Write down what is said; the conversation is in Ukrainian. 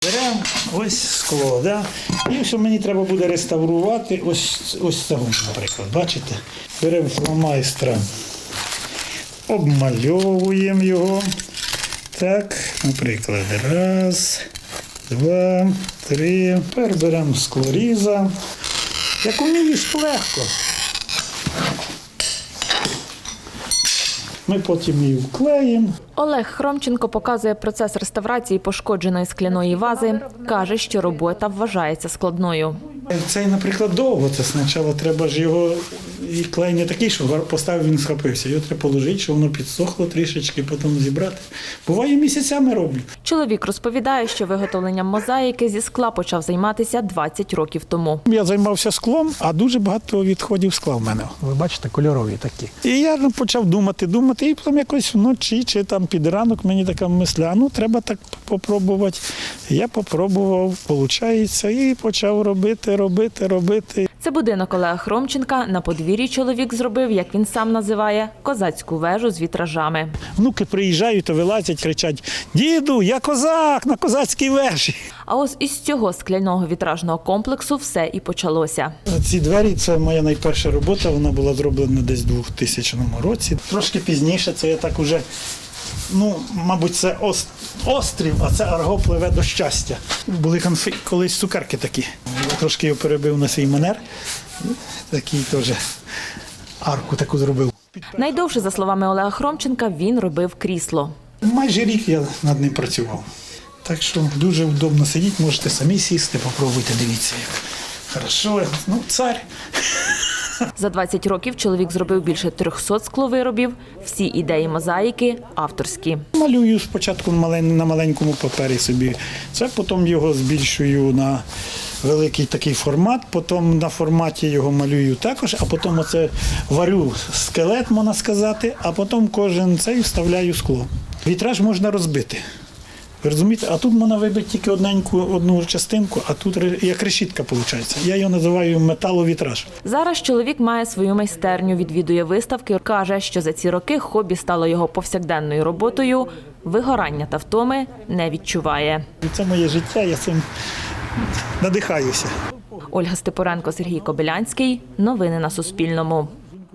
Беремо ось скло, да? І що мені треба буде реставрувати, ось цього, наприклад, бачите? Беремо фломайстра, обмальовуємо його. Так, наприклад, раз, два, три. Тепер беремо склоріза. Як умієш, легко. Ми потім її вклеїмо. Олег Хромченко показує процес реставрації пошкодженої скляної вази. Каже, що робота вважається складною. Цей, наприклад, довго. Це спочатку треба ж його, і клей не такий, що поставив, він схопився. Його треба положити, щоб воно підсохло трішечки, потім зібрати. Буває, місяцями роблю. Чоловік розповідає, що виготовленням мозаїки зі скла почав займатися 20 років тому. Я займався склом, а дуже багато відходів скла в мене. Ви бачите, кольорові такі. І я почав думати, і потім якось вночі чи там під ранок мені така мисля, треба так попробувати. Я попробував, виходить, і почав робити. Це будинок Олега Хромченка. На подвір'ї чоловік зробив, як він сам називає, козацьку вежу з вітражами. Внуки приїжджають, то вилазять, кричать: «Діду, я козак на козацькій вежі!» А ось із цього скляного вітражного комплексу все і почалося. Ці двері – це моя найперша робота, вона була зроблена десь у 2000 році. Трошки пізніше це я так уже, мабуть, це острів, а це Арго пливе до щастя. Були колись цукерки такі. Я трошки його перебив на свій манер, такий теж арку таку зробив. Найдовше, за словами Олега Хромченка, він робив крісло. Майже рік я над ним працював. Так що дуже вдобно сидіти, можете самі сісти, попробуйте, дивіться, як хорошо, цар. За 20 років чоловік зробив більше 300 скловиробів. Всі ідеї мозаїки авторські. Малюю спочатку на маленькому папері собі, це потім його збільшую на великий такий формат, потім на форматі його малюю також, а потім оце варю скелет, можна сказати, а потім кожен цей вставляю скло. Вітраж можна розбити. Ви розумієте? А тут можна вибити тільки одну частинку, а тут як решітка виходить. Я його називаю металовітраж. Зараз чоловік має свою майстерню, відвідує виставки. Каже, що за ці роки хобі стало його повсякденною роботою. Вигорання та втоми не відчуває. Це моє життя, я цим надихаюся. Ольга Степоренко, Сергій Кобилянський. Новини на Суспільному.